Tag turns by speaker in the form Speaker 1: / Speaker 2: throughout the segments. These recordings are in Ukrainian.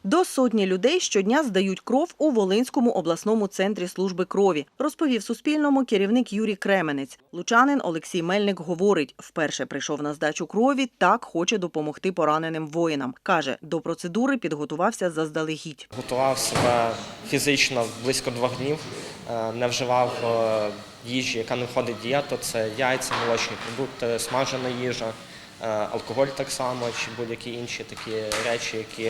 Speaker 1: До сотні людей щодня здають кров у Волинському обласному центрі служби крові, розповів Суспільному керівник Юрій Кременець. Лучанин Олексій Мельник говорить, вперше прийшов на здачу крові, так хоче допомогти пораненим воїнам. Каже, до процедури підготувався заздалегідь.
Speaker 2: Готував себе фізично близько 2 днів, не вживав їжі, яка не входить в дієту. Це яйця, молочні продукти, смажена їжа, алкоголь так само, чи будь-які інші такі речі, які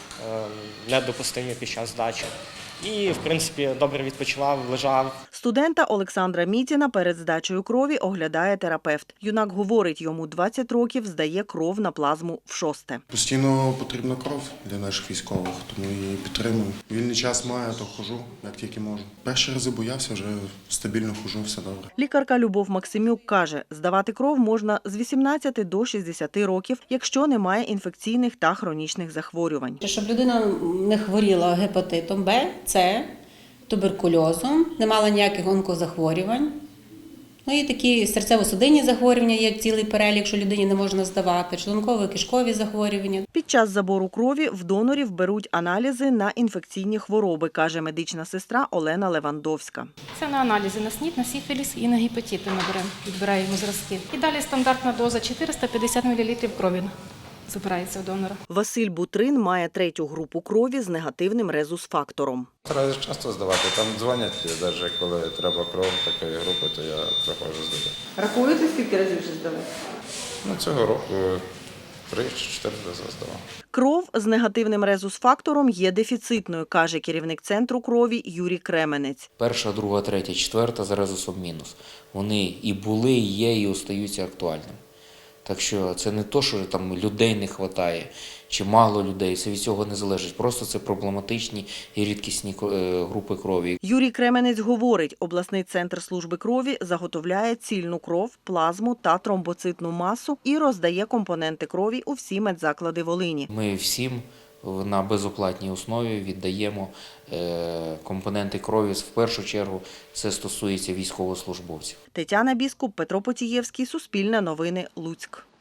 Speaker 2: недопустимі під час здачі. І, в принципі, добре відпочивав, лежав.
Speaker 1: Студента Олександра Мітіна перед здачею крові оглядає терапевт. Юнак говорить, йому 20 років, здає кров на плазму вшосте.
Speaker 3: Постійно потрібна кров для наших військових, тому її підтримую. Вільний час маю, то ходжу, як тільки можу. Перші рази боявся, вже стабільно ходжу, все добре.
Speaker 1: Лікарка Любов Максимюк каже, здавати кров можна з 18 до 60 років, якщо немає інфекційних та хронічних захворювань.
Speaker 4: Щоб людина не хворіла гепатитом Б, С, туберкульозом, не мала ніяких онкозахворювань. Ну і такі серцево-судинні захворювання є цілий перелік, що людині не можна здавати, шлунково-кишкові захворювання.
Speaker 1: Під час забору крові в донорів беруть аналізи на інфекційні хвороби, каже медична сестра Олена Левандовська.
Speaker 5: Це на аналізи на СНІД, на сифіліс і на гепатити відбираємо зразки. І далі стандартна доза 450 мл крові забирається у донора.
Speaker 1: Василь Бутрин має 3-ю групу крові з негативним резус-фактором.
Speaker 6: Стараюся часто здавати, там дзвонять, навіть коли треба кров такої групи, то я приходжу здати.
Speaker 1: Рахуєте, скільки разів вже здали?
Speaker 6: Цього року 3 чи 4 рази здавав.
Speaker 1: Кров з негативним резус-фактором є дефіцитною, каже керівник центру крові Юрій Кременець.
Speaker 7: 1, 2, 3, 4 за резусом мінус. Вони і були, і є, і остаються актуальними. Так що це не то, що там людей не вистачає, чи мало людей, це від цього не залежить. Просто це проблематичні і рідкісні групи крові.
Speaker 1: Юрій Кременець говорить, обласний центр служби крові заготовляє цільну кров, плазму та тромбоцитну масу і роздає компоненти крові у всі медзаклади Волині.
Speaker 7: Ми всім на безоплатній основі віддаємо компоненти крові. В першу чергу це стосується військовослужбовців.
Speaker 1: Тетяна Біскуп, Петро Потієвський, Суспільне новини, Луцьк.